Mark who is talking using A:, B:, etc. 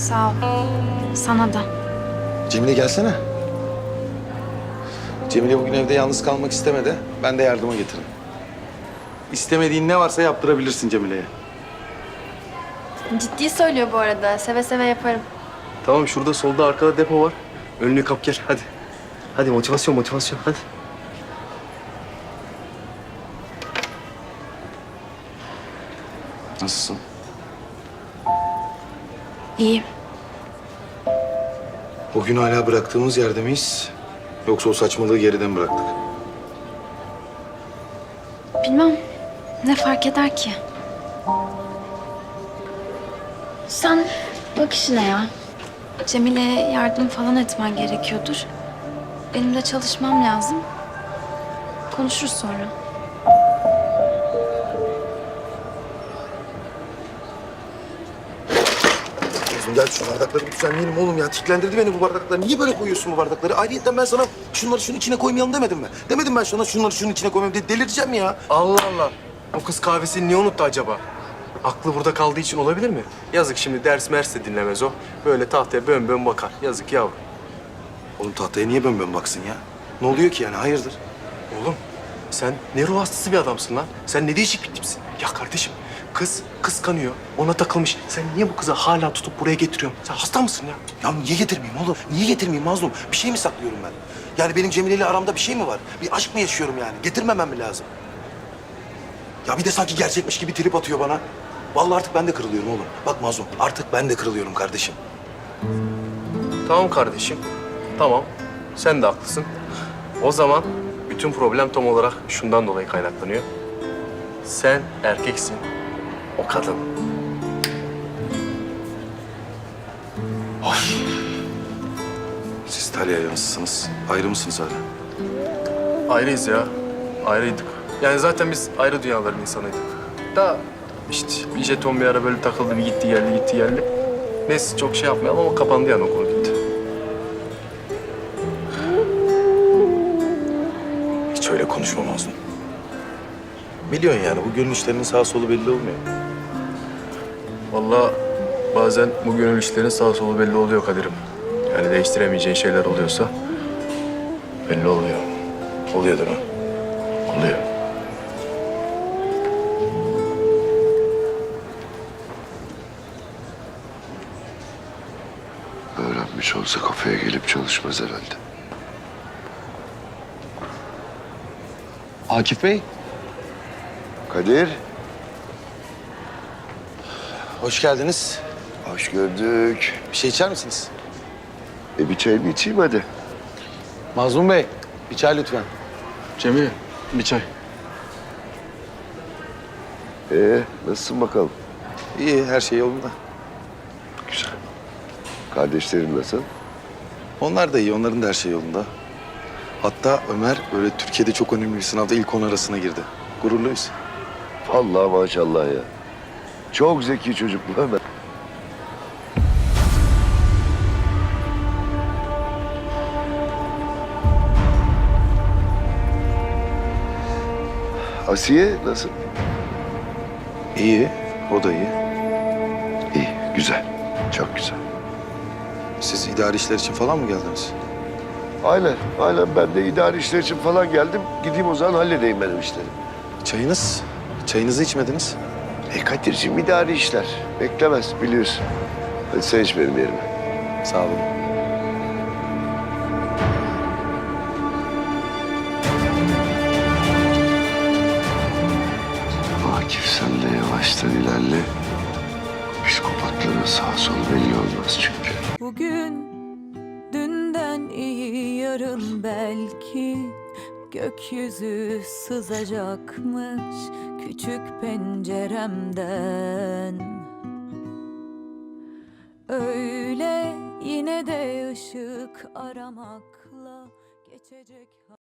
A: Sağ ol. Sana da.
B: Cemile gelsene. Cemile bugün evde yalnız kalmak istemedi. Ben de yardıma getirdim. İstemediğin ne varsa yaptırabilirsin Cemile'ye.
A: Ciddi söylüyor bu arada. Seve seve yaparım.
C: Tamam, şurada solda arkada depo var. Önünü kap gel hadi. Hadi motivasyon hadi.
B: Nasılsın?
A: İyiyim.
B: O gün hala bıraktığımız yerde miyiz? Yoksa o saçmalığı geriden mi bıraktık?
A: Bilmem. Ne fark eder ki? Sen bak işine ya. Cemile'ye yardım falan etmen gerekiyordur. Benim de çalışmam lazım. Konuşuruz sonra.
B: Kızım gel şu bardakları bir düzenleyelim oğlum ya. Tiklendirdi beni bu bardaklar. Niye böyle koyuyorsun bu bardakları? Ayrıyeten ben sana şunları şunun içine koymayalım demedim mi? Demedim ben sana şunları şunun içine koymayalım diye delireceğim ya.
C: Allah Allah. O kız kahvesini niye unuttu acaba? Aklı burada kaldığı için olabilir mi? Yazık, şimdi ders mers de dinlemez o. Böyle tahtaya bön bön bakar. Yazık yavrum.
B: Oğlum tahtaya niye bön baksın ya? Ne oluyor ki yani hayırdır?
C: Oğlum sen ne ruh hastası bir adamsın lan. Sen ne değişik bir tipsin. Ya kardeşim, kız kıskanıyor, ona takılmış. Sen niye bu kızı hala tutup buraya getiriyorsun? Sen hasta mısın ya?
B: Ya niye getirmeyeyim oğlum? Niye getirmeyeyim Mazlum? Bir şey mi saklıyorum ben? Yani benim Cemile ile aramda bir şey mi var? Bir aşk mı yaşıyorum yani? Getirmemem mi lazım? Ya bir de sanki gerçekmiş gibi trip atıyor bana. Vallahi artık ben de kırılıyorum oğlum. Bak Mazlum, artık ben de kırılıyorum kardeşim.
C: Tamam kardeşim, tamam. Sen de haklısın. O zaman bütün problem tam olarak şundan dolayı kaynaklanıyor. Sen erkeksin, o kadın.
B: Siz Talya'ya nasılsınız? Ayrı mısınız hala?
C: Ayrıyız ya, ayrıydık. Yani zaten biz ayrı dünyaların insanıydık. Da işte bir jeton bir ara böyle takıldı, bir gitti geldi. Neyse çok şey yapmayalım ama kapandı yani o konu gitti.
B: Hiç öyle konuşma Mazlum. Biliyorsun yani bu gönül işlerinin sağ solu belli olmuyor.
C: Vallahi bazen bu gönül işlerin sağ solu belli oluyor Kadir'im. Yani değiştiremeyeceğin şeyler oluyorsa belli oluyor.
B: Oluyor değil mi?
C: Oluyor.
D: Öğrenmiş olsa kafeye gelip çalışmaz herhalde.
B: Akif Bey.
D: Kadir,
B: Hoş geldiniz.
D: hoş gördük.
B: Bir şey içer misiniz?
D: Bir çayını içeyim hadi.
B: Mazlum Bey, bir çay lütfen.
C: Cemile, bir çay.
D: Nasılsın bakalım?
B: İyi, her şey yolunda.
D: Güzel. Kardeşlerin nasıl?
B: Onlar da iyi, onların da her şey yolunda. Hatta Ömer böyle Türkiye'de çok önemli bir sınavda ilk 10 arasına girdi. Gururluyuz.
D: Vallahi maşallah ya. Çok zeki çocuk bu Ömer. Asiye nasıl?
B: İyi, o da iyi.
D: İyi, güzel. Çok güzel.
B: Siz idari işler için falan mı geldiniz?
D: Aynen. Ben de idari işler için falan geldim. Gideyim o zaman halledeyim benim işleri.
B: Çayınız? Çayınızı içmediniz.
D: Kadir'cim idari işler. Beklemez biliyorsun. Hadi sen iç benim yerime.
B: Sağ olun.
D: Akif sen de yavaştan ilerle. Psikopatların sağ solu belli olmaz çünkü.
E: Bugün dünden iyi yarın belki gökyüzü sızacakmış küçük penceremden. Öyle yine de ışık aramakla geçecek.